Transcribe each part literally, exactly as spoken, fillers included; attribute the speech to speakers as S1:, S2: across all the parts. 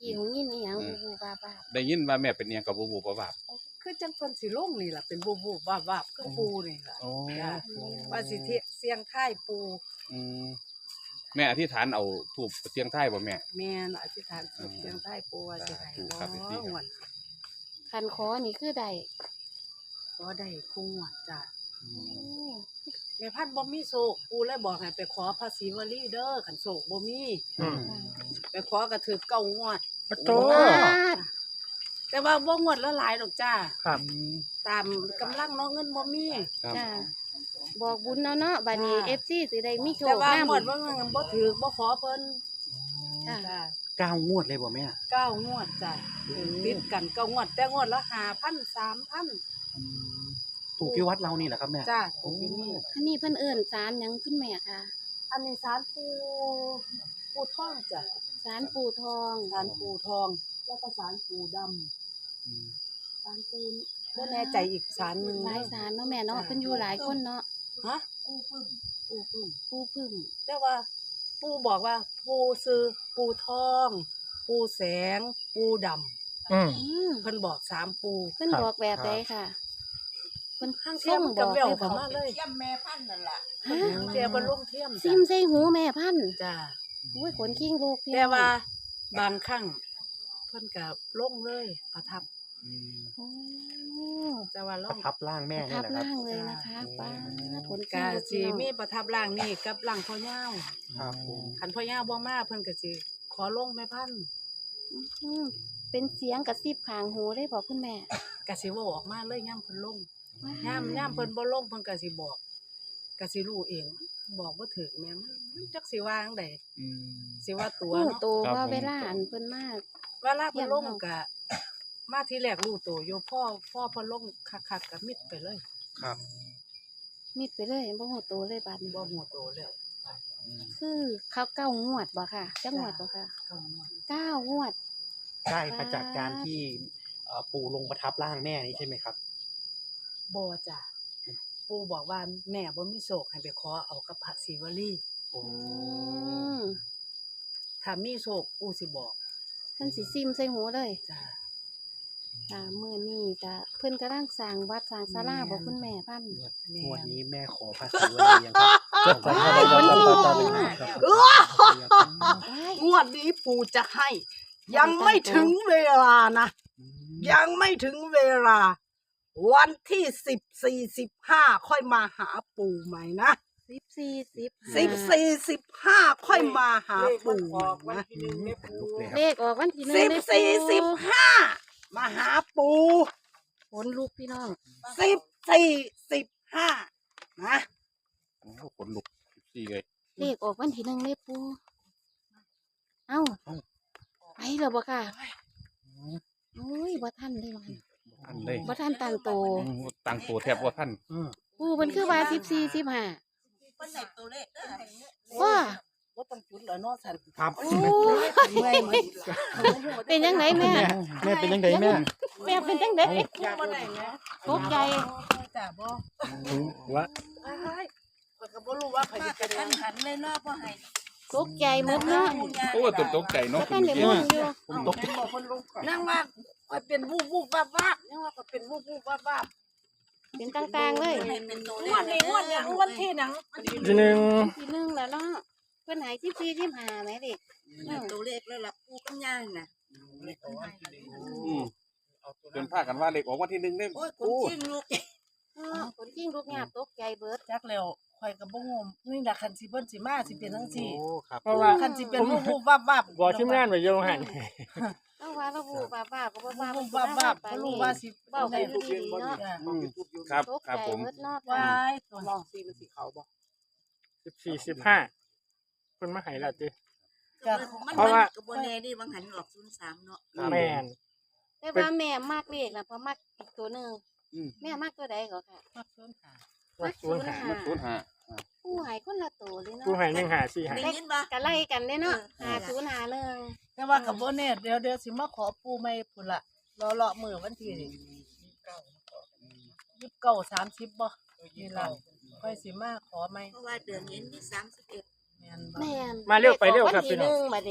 S1: กี้หูยินอีหยังบูบูบาบา
S2: ได้ยินว่าแม่เป็นเอียงกับบูบูบ่บาบ
S3: คือจังเพิ่นสิลงนี่ล่ะเป็นบูบูบาบาบคือปูนี่ล่ะ
S2: โอ้
S3: จ้ะว่าสิเทียเสียงท้ายปู
S2: อืมแม่อธิษฐานเอาทูบเสียงไทายบ่แม่
S3: แม่นอธิษฐานสุดเสียงท้ายปูว่าสิให้
S2: ถูก
S3: บ่
S2: ครับพี่ครับ
S3: หวน
S1: คันขอนี่คือได้
S3: ก็ได้คู่หวนจ้ะ
S2: อื
S1: โอ้
S2: ม
S3: แม่พันธุ์บ่มีโศกปูเลยบอกให้ไปขอภาษีวลีเด้อคันโศกบ่มี
S4: อืม
S3: ไปขอก็ถือเก้างวด
S4: ปะโต
S1: บาด
S3: แต่ว่าบ่งวดละหลายดอกจ้า
S4: ครับ
S2: อืม
S3: ตามกำลังเนาะเงินบ่มี
S2: ครับ
S1: จ้าบอกบุญเนาะเนาะบัดนี้
S3: จ้า
S1: เอฟซีสิได้มีโช
S3: แต่
S1: ค
S3: ว่าน
S1: ำ
S3: งวดว่าเงินบ่ถือบ่ขอเพิ่น
S1: จ้า
S3: จ้า
S4: เก้างวดเลยบ่แม่
S3: เก้างวดจ้ะติดกันเก้างวดแต่งวดละห้าพัน สามพัน
S4: อืมถูกที่วัดเรานี่แหละครับแม่
S3: จ้าถูกอยู่นี่
S1: อันนี้เพิ่นเอิ้นศาลหยังคุณแม่ค่ะ
S3: อันนี้ศาลปูปูทองจ้ะ
S1: ศาลปู่ทอง
S3: ศาลปูทอง แล้วก็ศาลปูดำ
S2: อืม
S3: ศาลปูบ่แน่ใจอีกศาลหนึง
S1: หลายศาลเนาะแม่เนาะเพิ่นอยู่หลายคนเนาะ
S3: ฮะปูพึ่งปูพึ่ง
S1: ปู่พึ่ง
S3: แต่ว่าปูบอกว่าปูซื้อปูทอง ปูแสง ปูดำ
S4: อืม
S1: อืม
S3: เพิ่นบอกสามปู
S1: เพิ่น
S4: ครับ
S1: บอกแบบใดค่ะเพิ่น
S3: ข้าง
S1: ส่
S3: เทียม
S1: งบ
S3: กับ
S1: อก
S3: แวว
S1: ได้บ
S3: เข้า
S1: อก
S3: มาเลย
S5: เทียมแม่พันธุ์นั่นล่ะ
S1: ฮะ
S3: เทียมบ่ลงเทียม
S1: ซิ
S3: จ้ะ
S1: มใส่หูแม่พันธุ์
S3: จ้า
S1: โอ้ยขนคิงลูกพี่
S3: แต่ว่า
S1: น้อง
S3: บางครั้งเพิ่นก็ลงเลยประทับ
S2: อืม
S1: โอ้
S3: แต่ว่าล
S4: ประ
S3: ง
S4: ทับร่างแม่
S1: ทั
S4: นี่
S1: บ
S4: แหละครับ
S1: ล่างเลยนะคะป้าผล
S3: กะ
S1: ลู
S3: สิ
S1: พี่น้อง
S3: มีประทับร่างนี่กับร่างพ่อย่าว
S4: ครับผม
S3: คันพ่อย่าวบ่มาเพิ่นก็สิขอลงแม่พันธุ์
S1: อืมเป็นเสียงกระซิบข้างหูได้บอกคุณแม่
S3: ก็สิเว้าออกมาเลยยามเพิ่นลงยามยามเพิ่นบ่ลงเพิ่นก็สิบอกก็สิรู้เอง บอกบ่ถูกแม่มันมันจักสิว่าจังได
S2: อืม
S3: สิว่าตัว
S1: หู
S3: เนาะ
S1: โต
S2: ครับ
S1: ว่า
S2: ผม
S1: เวลาอันเพิ่นมา
S3: เวลาเพิ่นลง
S1: เยี่ยมเนาะ
S3: ก็มาทีแรกรู้ตัวอยู่พ่อพ่อเพิ่นลงคักๆก็มิดไปเลย
S4: ครับ
S1: มิดไปเลยบ่หูโตเลยบาดนี้
S3: บ่ฮู้ตัวแล้ว
S2: อืม
S1: คือเขาเก้างวดบ่ค่ะจักงวดบ่ค่ะ
S3: ก็งวด
S1: เก้างวด
S4: ได้มาจากการที่เอ่อปู่ลงประทับร่างแม่นี่ใช่ไหมครับ
S3: บ่จ้ะปู่บอกว่าแม่บ่มีโศกให้ไปขอเอากับพระศิวลี
S4: โอ้
S1: อืม
S3: ถ้ามีโศกปู่สิบอก
S1: เพิ่นสิซิมใส่หูเลย
S3: จ้ะ
S1: ค่ะมื้อนี้ก็เพิ่นกำลังสร้างวัดสร้างศาลาบ่คุณแม่พันธุ์
S3: แม่
S4: งวด
S3: น
S4: นี้แม่ขอภาษีวันนี้ยังครับจดก่อนครับ
S1: คนที่
S4: จด
S1: บ
S4: ก่
S1: อ
S4: อน
S1: ก
S4: ครับ
S1: ว้าย
S3: งวดนี้ปู่จะให้ ยังไม่ถึงเวลานะ ยังไม่ถึงเวลา วันที่สิบสี่สิบห้าค่อยมาหาปู่ใหม่นะ
S1: สิบสี่ สิบ
S3: สิบสี่สิบห้าค่อยมาหาปู่ใหม่นะ
S1: เลขออกวันที่หนึ่ง
S3: สิบ
S1: เด้อ
S3: สี่สิบห้ามาหาปู่
S1: ขนลุกพี่น้อง
S3: สิบสี่สิบห้านะ
S2: โอ้ขนลุกสี่เลย
S1: เลขออกวันที่หนึ่งเลยปูเอ้าไปแล้วบ่ค่ะโอ้ยบ่ทันเลยมัน
S2: ท่านเลย
S1: บ่ทันตั้งโต
S2: อืมตั้งตัวแทบว่าท่าน
S4: อืม
S1: ปูมันคือว่าสิบสี่ สิบห้า
S5: เพิ่นได้ตัวเลขเด้อให้
S1: ว้า
S3: ว่าต้องจุดแล้วเนาะสัน
S4: ครับ
S1: โอ้
S3: เมื่อยเหมือน
S1: เป็นยังไงแม่
S4: แม่เป็นยังไงแม่
S1: แม่เป็นจังได๋
S3: บ่ได้นะ
S1: ตกใจ
S3: จ้ะบ่
S4: ว่า
S3: อ้ายข้อยก็บ่รู้ว่าใคร
S5: มา
S3: จะ
S5: กระ
S3: เป็น
S5: ทันหันเลยเนาะบ่ให้
S1: ตกใจหมดเนาะ
S2: โอ้ตกตกใจเนาะ
S1: บ่ทันได้มุ่นอยู่
S4: ผมตก
S3: บอกคนลงก่อนนั่งว่าข้อยเป็นวูบวูบวับวับยังว่าข้อยเป็นวูบวูบวับวับ
S1: เป็นต่างๆเลย
S5: ให้เป็นตัวเล
S3: ง
S5: ข
S3: วดนี้งวดเนี่ยงวดที่หนัง
S4: ทีหนึ่ง
S1: ทีหนึงแล้วเนาะเพิ่นให้สิบสี่ สิบห้าแหม่เด็ก
S5: เป็นตัวเลขแล้วล่ะปู่กับย่าน่ะ
S2: อืมจนพากันว่าเลขออกวันที่หนึ่งเนี่ย
S5: โอ้ยคนจริงลูก
S1: เออคนจริงลูกหยาบตกใจเบิด
S3: จักแล้วข่อยก็บ่ฮู้นี่ล่ะคันสิเพิ่นสิมาสิเป็นจังซี่
S4: โอ้ครับ
S3: เพราะว่าคันสิเป็นวูบวูบวับวับ
S6: บอกทีมงานไว้อยู่หัน
S1: แล้วว่าเราบูบ้าบ้าก็บ่บ้า
S3: วูบวับวับบ่รู้ว่าสิ
S1: เว้าไปอยู่ดีๆเนาะ
S2: อืมครับ
S1: ตก
S2: ครับ
S1: ใจ
S2: ผม
S1: เบิดเนาะ
S3: วายตัวมองสีมันสีขาวบ่
S6: สิบสี่สิบห้าคนมาใหายแล้วติ
S3: ก็
S5: มัน
S6: เพราะว่า
S5: ก็บ่แน่ดิบางหันออกศูนย์สามเนาะ
S6: แม่น
S1: แต่ว่าแม่มักเลขน่ะเพราะมักอีกตัวหนึง
S2: อืม
S1: แม่มักตัวใดก็ค่ะ
S3: มักเพิ่นหา
S6: ว่าศูนย์หา
S1: มัก
S2: ศูนย์ห้า
S1: ผู้ใหายคนละตัวเลยเนาะ
S6: กูใหายหนึ่งหาสี่หา
S5: ได้ยินบ่
S1: ก็ไล่กันเด้เนาะ
S5: เออ
S1: หาศูนย์หาหนึ่ง
S3: แต่ว่าก็บ่แน่เดี๋ยวเดี๋ยวสิมาขอปู่ใหม่พุ่นล่ะรอเลาะมื้อวันที่ยี่สิบเก้า สามสิบบ่นี่ล่ะค่อยสิมาขอใหม่
S5: เพราะว่าเดือนนี้มีสามสิบเอ็ด
S3: แม่นบ่
S1: แม่น
S6: มาเร็วไปเร็วครับ
S1: ลขอ
S6: พี่
S1: วันที่
S6: น้อง
S1: หนึ่งบัดนี้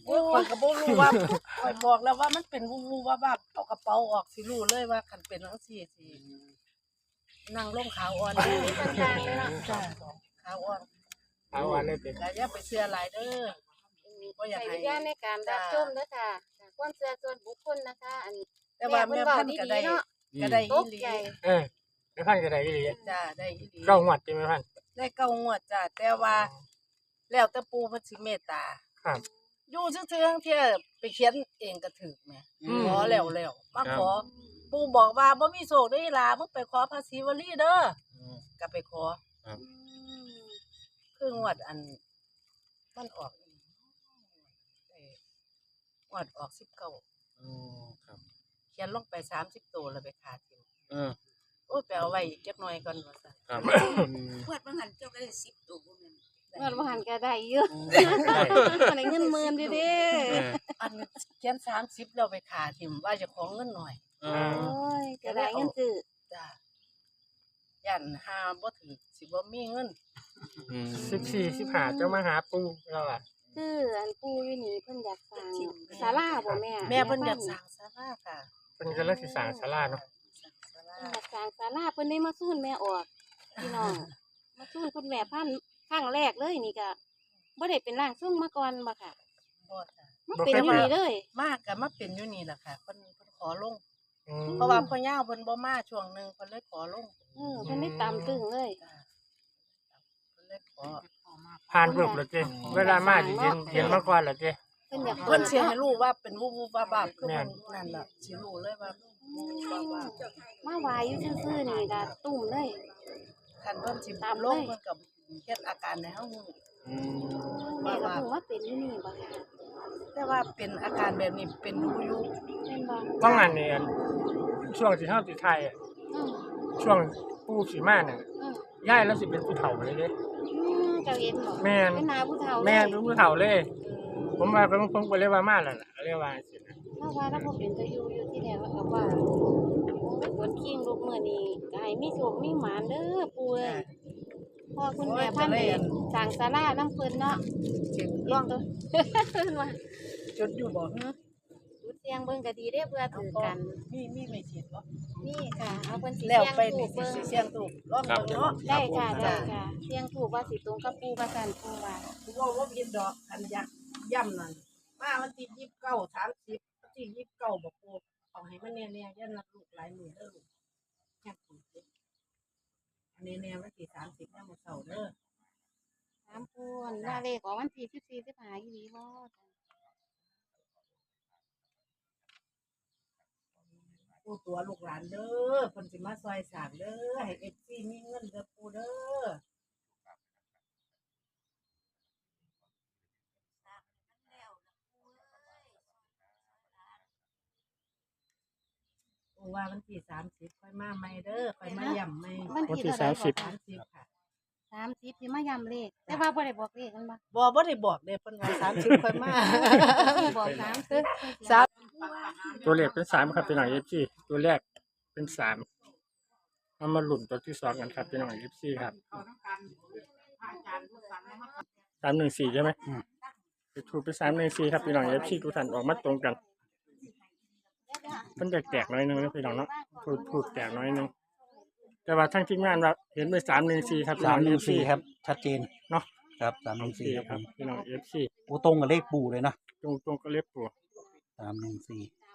S3: โอ้ยข่อยก็บ่รู้ว่าข่อยบอกแล้วว่ามันเป็นวูวูว่าว่าเอากระเป๋าออกสิรู้เลยว่าคันเป็นจังซี่สินั่งลงขาวอ่อนเลย
S1: คนกลางเลยเนาะ
S3: จ้าขาวอ่อน
S6: เอาวันนี้เป็น
S3: ก็อย่าไปเชื่อหลายเด้อบ่อยาก
S1: ใช้
S3: ให้
S1: วิญญาณในการรับชมเด้อค่ะความเชื่อส่วนบุคคลนะคะ อันนี้
S3: แต่ว่าแม่พันธุ์ก็ได้
S1: เนาะ
S3: ก็ได้
S1: ต
S3: อี
S1: ก
S3: หลี
S1: ใจ
S6: เออไม่พันกันได้อีหลี
S3: จ้าได้อีหลี
S6: เก้าหวัดใช่ไหมพัน
S3: ได้เก้างวดจ้าแต่ว่า แล้วแต่ปู่เพิ่นสิเมตตา
S6: ครับ
S3: อยู่ซื่อๆเที่ยไปเขียนเองก็ถูกแหม่
S6: อืม
S3: ขอแล้วแล้วมา
S6: ครับ
S3: ขอ ปู่บอกว่าบ่มีโชคได้ล่ะมึงไปขอภาษีวลีเด้อก็ไปขอ
S1: อืม
S3: คืองวดอันมันออกอีกเอ้ยงวดออกสิบเก้า
S2: อ๋อครับ
S3: เขียนลงไปสามสิบตัวแล้วไปขาดทิ้ง
S2: เออ
S3: โอ้ยไปเอาไว้อีกจักหน่อยก่อนว่าซั่น
S2: ครับ
S5: พวดบางหันเจ้าก็ได้สิบตัวบ่แม่น
S1: เงินบ่หันก็ได้เยอะได้เงินหมื่นเด้เด้
S2: เออ
S3: อันเขียนสามสิบแล้วไปขาดทิ้งว่าจะของเงินหน่อย
S2: เอ
S1: โอ้
S2: อย
S1: ก็ได้เงินซื้อ
S3: จ้ายันหาบ่ถึงสิบ่มีเงิน
S2: อืม
S6: สิบสี่สิบห้าเจ้ามาหาปูเราอ่ะ
S1: คืออันปู่อยู่นี่เพิ่นอยากสร้างศาลาบ่แม่
S3: แม่เพิ่นอยากสร้างศาลาค่ะ
S6: เป็นกำลังศึกษาศาลาเนาะ
S3: สร้างศาลา
S1: เพิ่นอยากสร้างศาลาเพิ่นได้มาสู้แม่ออกพี่น้องมาสู้คุณแม่พันธุ์ครั้งแรกเลยนี่ก็บ่ได้เป็นร่างทรงมาก่อนบ่ค่ะ
S3: บ่จ้ะ
S1: มาเป็นอยู่นี่เลย
S3: มากก็มาเป็นอยู่นี่แหละค่ะเพิ่นเพิ่นขอลง
S6: อืม
S3: เพราะว่าพ่อย่าเพิ่นบ่มาช่วงหนึงเพิ่นเลยขอลง
S1: เออเพิ่นได้ตามตึงเลย
S3: จ้ะเพิ่นเลยขอ
S6: ผ่านรูปแล้วเจ้เวลามาจะเย็นเย็นมาก่อนแล้วเจ้
S1: เพิ่นอยาก
S3: เพิ่นสิ
S1: เนาะ
S3: ให้รู้ว่าเป็นวูบวูบวาบาบคือ
S6: แม่
S3: เพิ่
S6: น
S3: นนั่นล่ะสิรู้เลยว่าวูบวูบวาบาบ
S1: มาไหวายอยู่ซื่อๆนี่ก็ตุ่มเลย
S3: คันเพิ่นสิ
S1: ตาม
S3: ล
S1: เลย
S3: งเพิ่นก็เฮ็ดอาการให้เฮารู้
S2: อืม
S1: แม่ก็เพิ่งมาเป็นอยู่นี่บ่ค่ะ
S3: แต่ว่าเป็นอาการแบบนี้เป็นดูอยู่
S1: เป็นบ่
S6: ว่างานเนี่ยช่วงที่เฮาสิไทยอะ
S1: อืม
S6: ช่วงปูสีมาเนี่ย
S1: อืม
S6: ย้ายแล้วสิเป็นผู้เฒ่าเลยเด้
S1: อืมเจ้าเห็นบ่
S6: แม่น
S1: เป็นนาผู้เฒ่าเลย
S6: แม่นเป็นผู้เฒ่าเลย ผมว่าผมผมก็เลยว่ามาแล้วล่ะเรียกว่าสินะ
S1: ถ้าว่าถ้าบ่เป็นตะอยู่อยู่ที่แรกแล้วก็ว่าโอ้ยฝนคิงลูกมื้อนี้ก็ให้มีโชคมีหมานเด้อปู่เอ้ยพ่อคุณแม่พันธุ์ได้สร้างศาลานำเพิ่นเนาะ
S3: สิ
S1: ลองตัว เพิ่นว่า
S3: จุดอยู่บ่
S1: หือจุดเสียงเบิ่งก็ดีเด้เพื่อถือกัน
S3: มีมีไม่ฉีดบ่
S1: นี่ค่ะ เอาเพิ่นสิ
S3: แล้ว
S1: เสียง
S3: ไป
S1: ถู
S3: นี่
S1: ก
S3: สิ
S1: เบิ่ง
S3: สิเสียงถูกลองเบิ่งเนาะ
S1: ได้ค่ะได้ค่ะเสียงถูกว่าสิตรงกับปู่ว่าซั่นปู่ว่า
S3: ว่าว่าผิดดอกคันยักย่ำนั่นมาวันที่ยี่สิบเก้าสามสิบวันที่ยี่สิบเก้าบอกปูเอาให้มันแน่ๆอย่านับลูกหลายมือเด้อลูกแค่ปูเด้ออันนี้แน่วันที่สามสิบยังบ่เช้าเด้อ
S1: ถามปู่อันว่าเลขออกวันที่สิบสี่ สิบห้าอีหลีบ่
S3: ปูตัวลูกหลานเด้อเพิ่นสิมาซอยสร้างเด้อให้ เอฟ ซี มีเงินเด้อปูเด้อปูว่าวันที่สามสิบค่อยมาใหม่เด้อค่อยมาย่ำใหม่
S1: วัน
S6: วัน
S1: ที่
S6: ที่
S1: เท่าใด
S6: สามสิบ
S3: สามสิบค่ะ
S1: สามสิบที่มาย้ำเลขแต่ว่าบ่ได้บอกเลขกันบ่
S3: บ่บ่ได้บอกเด้เพิ่นว่าสามสิบค่อยมา
S1: บอกสามสิบ
S3: สาม
S6: ตัวเลขเป็นสามครับพี่น้องเอฟซีตัวแรกเป็นสามเอามาหลุนตัวที่สองกันครับพี่น้องเอฟซีครับสามหนึ่งสี่ใช่ไหมไปถูกไปสามหนึ่งสี่ครับพี่น้องเอฟซีทุกท่านออกมาตรงกันมันแตกๆน้อยนึงนะพี่น้องเนาะพูดพูดแตกน้อยนึงแต่ว่าทั้งทีมงานว่าเห็นไปสามหนึ่งสี่ครับพี่
S4: สา
S6: น้อ
S4: ม
S6: ง
S4: หนึ่ง
S6: เอฟซี
S4: สี่ครับ ชัดเจน
S6: เนาะ
S4: ครับสามหนึ่งสี่ครับ
S6: ค
S4: ผ
S6: รับ
S4: ม
S6: พี่น้องเอฟซี
S4: โอ้ตรงกับเลขปู่เลยนะ
S6: ตรงตรงก็เล็บตัว
S4: สามหนึ่งสี่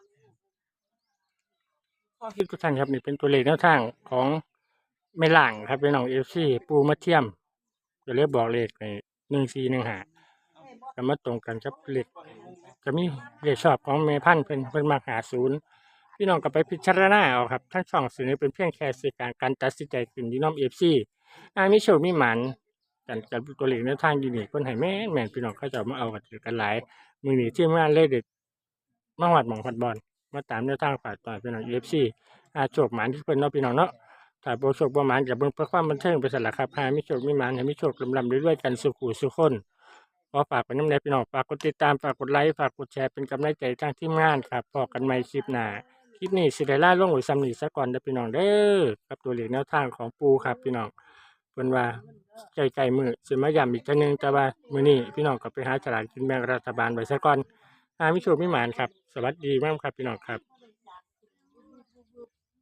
S6: ข้อคิดทุกท่านครับนี่เป็นตัวเลขแนวทางของไม่ล่างครับพี่น้องเอฟซีปูมาเทียมจะเรียกบอกเลขในหนึ่งสี่หนึ่งหาจะมาตรงกันครับเลขจะมีเลขชอบของเมพันธุ์เป็นเป็นมาหาศูนย์พี่น้องก็ไปพิจารณาเอาครับทั้งสองสื่อนี้เป็นเพียงแค่สื่อการการตัดสินใจขึ้นที่น้องเอฟซีอามีโชคมีหมันกันกันตัวเลขแนวทางอยู่นี่คนให้แม่นแม่นพี่น้องเขาจะมาเอากันถือกันหลายมือหนีที่งานเลขเด็ดมาหวัดหมองพัดบอลมาตามแนวทางฝ่ายต่อยพี่น้องเอฟซีอาโชคหมันที่เพิ่นเนาะพี่น้องเนาะถ้าบ่โชคบ่หมันกับเบิ่งเพื่อความบันเทิงไปสั่นล่ะครับหามีโชคมีหมันให้มีโชคลำๆด้วยๆกันสุขุสุขคนขอฝากไว้นำแน่พี่น้องฝากกดติดตามฝากกดไลค์ฝากกดแชร์เป็นกำลังใจทางทีมงานครับพบกันใหม่คลิปหน้าคลิปนี้สิได้ลาลงไว้ซ้ำนี้ซะก่อนเด้อพี่น้องเด้อกับตัวเลขแนวทางของปูครับพี่น้องเพิ่นว่าใกล้ๆมื้อสิมาย้ำอีกเทื่อนึงแต่ว่ามื้อนี้พี่น้องก็ไปหาฉลากกินแบ่งรัฐบาลไว้ซะก่อนหามีโชคมีหมานครับสวัสดีมากครับพี่น้องครับ